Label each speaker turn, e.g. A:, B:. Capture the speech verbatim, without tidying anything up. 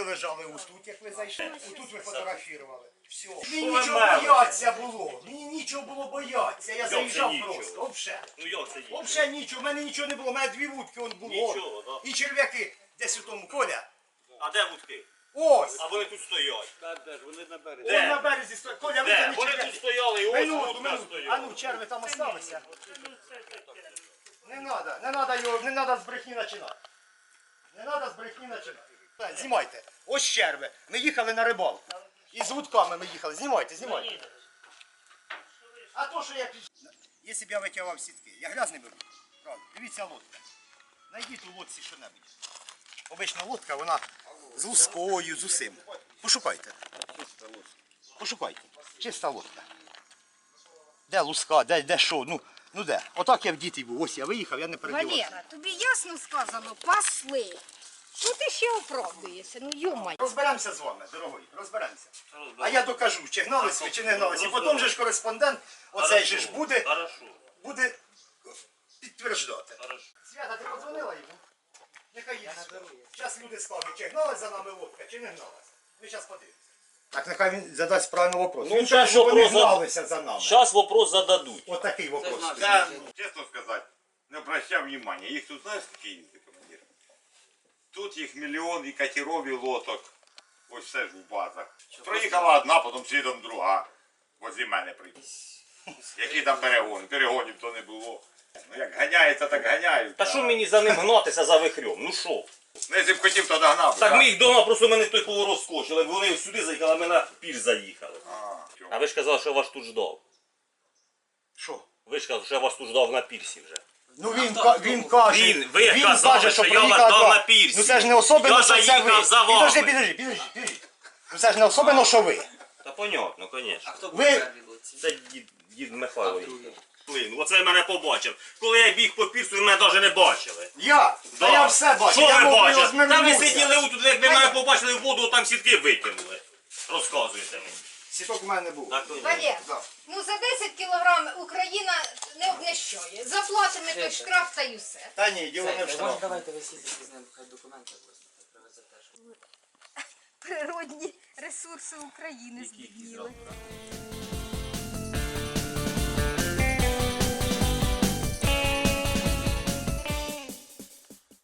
A: лежали ось тут, як ви зайшли. Ось тут ви фотографували. Все. Мені нічого бояться було. Мені нічого було бояться. Я заїжджав просто. Взагалі.
B: Ну як це нічого?
A: Взагалі нічого. У мене нічого не було. У мене дві вудки он було.
B: Нічого, да.
A: І черв'яки десь у тому. Коля.
B: А де вудки?
A: Ось.
B: А вони тут стоять.
C: Вони на березі.
A: Ось на березі стоять. Коля,
B: Де?
A: витягни
B: Вони тут
A: черв'яки.
B: стояли і ось
A: Минуту,
B: вудка
A: минуту. А
B: стояла.
A: ну, черви там осталися. Не треба, не треба його, не треба з брехні починати. Не треба з брехні починати. Знімайте. Ось черви. Ми їхали на рибалку. І з вудками ми їхали. Знімайте, знімайте. А то, що я піш... Якщо б я витягав сітки, я грязний беру. Правда. Дивіться лодка. Найдіть у лодці що-небудь. Обична лодка, вона з лускою, з усім. Пошукайте. Пошукайте. Чиста лодка. Де луска, де, де що? Ну, ну де? Отак я в діти був. Ось я виїхав, я не передівався.
D: Валера, тобі ясно сказано, пасли. Що ти ще оправдуєшся? Ну, йомай.
A: Розберемося з вами, дорогой, розберемося. А я докажу, чи гналися ви, чи не гналися. І потім же ж кореспондент, оцей же ж буде,
B: Хорошо.
A: буде підтверджувати.
B: Хорошо.
A: Свята, ти подзвонила йому? Нехай їде. Зараз люди скажуть, чи гналась за нами лодка, чи не гналась. Ми зараз подивимося. Так нехай він задасть правильний вопрос.
B: Ну,
A: Він
B: щас
A: каже, що вони
B: вопрос зад-
A: гналися за нами.
B: Зараз вопрос зададуть.
A: От такий вопрос.
C: Я, чесно сказати, не обращав внимання. Їх тут знаєш, скільки їздить, командир? Тут їх мільйон і катеров, і лодок. Ось все ж в базах. Проїхала одна, потім слідом друга. Возле мене приїхала. Які там перегони? Перегонів то не було. Ну як ганяється, так ганяють.
B: Та що мені за ним гнатися за вихрьом? Ну що?
C: Ну, якщо б хотів, то догнав. би,
B: Так
C: да?
B: ми їх дома, просто мене той поворот скочили. Вони сюди заїхали, а ми на пір заїхали.
C: А,
B: А ви ж казали, що я вас тут ждав.
A: Що?
B: Ви ж казали, що я вас тут ждав на пірсі вже.
A: Ну він, ка- він каже,
B: Він- ви казали, що я вас
A: проїхала
B: дав
A: два.
B: на пірсі.
A: Ну це ж не особливо,
B: Я
A: що це
B: заїхав
A: ви.
B: за вами.
A: Підожди, підожди, підожди, підожди. Ну це ж не особливо, що ви.
B: Та понятно, звісно.
E: Хто був
A: Ви-
E: перший в лодці?
B: Це дід, дід Михайло
E: А
B: їхав.
E: другий?
B: Блин, оце мене побачив. Коли я біг по пірсу, ви мене навіть не бачили.
A: Я? Та
B: Да.
A: я все бачу.
B: Що
A: Я
B: ви
A: мов,
B: бачили? Та ви
A: розминувся.
B: сиділи отут, якби мене побачили в воду, там сітки викинули. Розказуєте мені.
A: Сіток у мене не було.
B: Так, то ні.
D: Валер,
A: Да.
D: ну за десять кілограм Україна не обнищує. Заплатимо той штраф та й усе.
A: Та ні, діло не в
E: Може,
A: штрафі.
E: давайте ви сідете з ним, хай документи просто привезете. щоб-
D: Природні ресурси України збідніли.